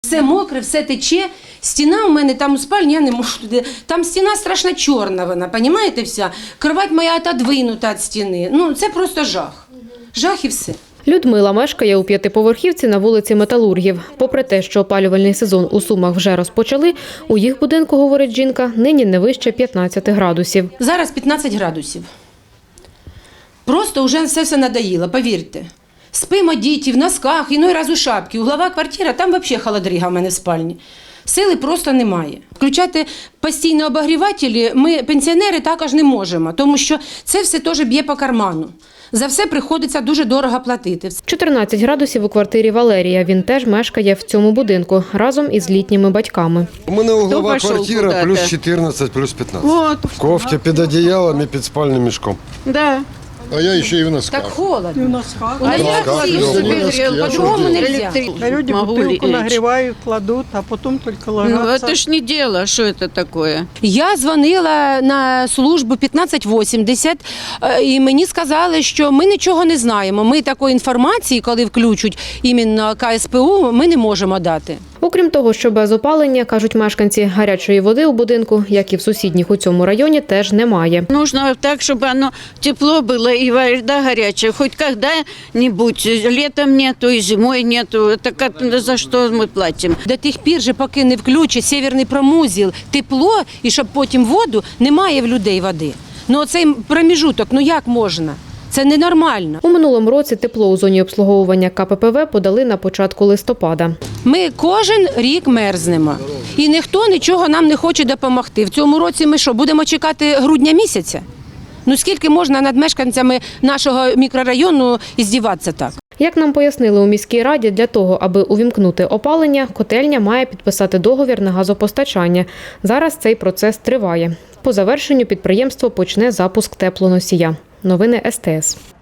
Все мокре, все тече. Стіна у мене там у спальні, я не можу туди. Там стіна страшно чорна вона, розумієте, вся. Кровать моя отодвинута від стіни. Ну, це просто жах. Жах і все. Людмила мешкає у п'ятиповерхівці на вулиці Металургів. Попри те, що опалювальний сезон у Сумах вже розпочали, у їх будинку, говорить жінка, нині не вище 15 градусів. Зараз 15 градусів. Просто вже все надоїло, повірте. Спимо діти в носках, іной раз у шапці. Углова квартира, там взагалі холодріга в мене в спальні. Сили просто немає. Включати постійні обогрівателі ми, пенсіонери, також не можемо, тому що це все теж б'є по карману. За все приходиться дуже дорого платити. 14 градусів у квартирі Валерія. Він теж мешкає в цьому будинку разом із літніми батьками. У мене углова квартира плюс 14, плюс 15. Вот. В кофті під одіялом і під спальним мішком. Да. А я еще и в носках. Так холодно. носках. У нас носках, всі ну, собі в носки, а по-другому що нельзя. А люди Могу бутылку лечь. нагревают, кладут, а потом только Ну, ложатся. это ж не дело, что это такое. Я дзвонила на службу 1580, і мені сказали, що ми нічого не знаємо. Ми такої інформації, коли включать іменно КСПУ, ми не можемо дати. Окрім того, що без опалення, кажуть мешканці, гарячої води у будинку, як і в сусідніх у цьому районі, теж немає. Нужно так, чтобы оно тепло было и вода горячая. Хоть когда-нибудь, летом нету и зимой нету. Это за что мы платим? До тих пір, же, поки не включать северний промузіл, тепло, і щоб потім воду, немає в людей води. Ну оцей проміжуток, ну як можна? Це ненормально. У минулому році тепло у зоні обслуговування КППВ подали на початку листопада. Ми кожен рік мерзнемо. І ніхто нічого нам не хоче допомогти. В цьому році ми що, будемо чекати грудня місяця? Ну скільки можна над мешканцями нашого мікрорайону іздіватися так? Як нам пояснили у міській раді, для того, аби увімкнути опалення, котельня має підписати договір на газопостачання. Зараз цей процес триває. По завершенню підприємство почне запуск теплоносія. Новини СТС.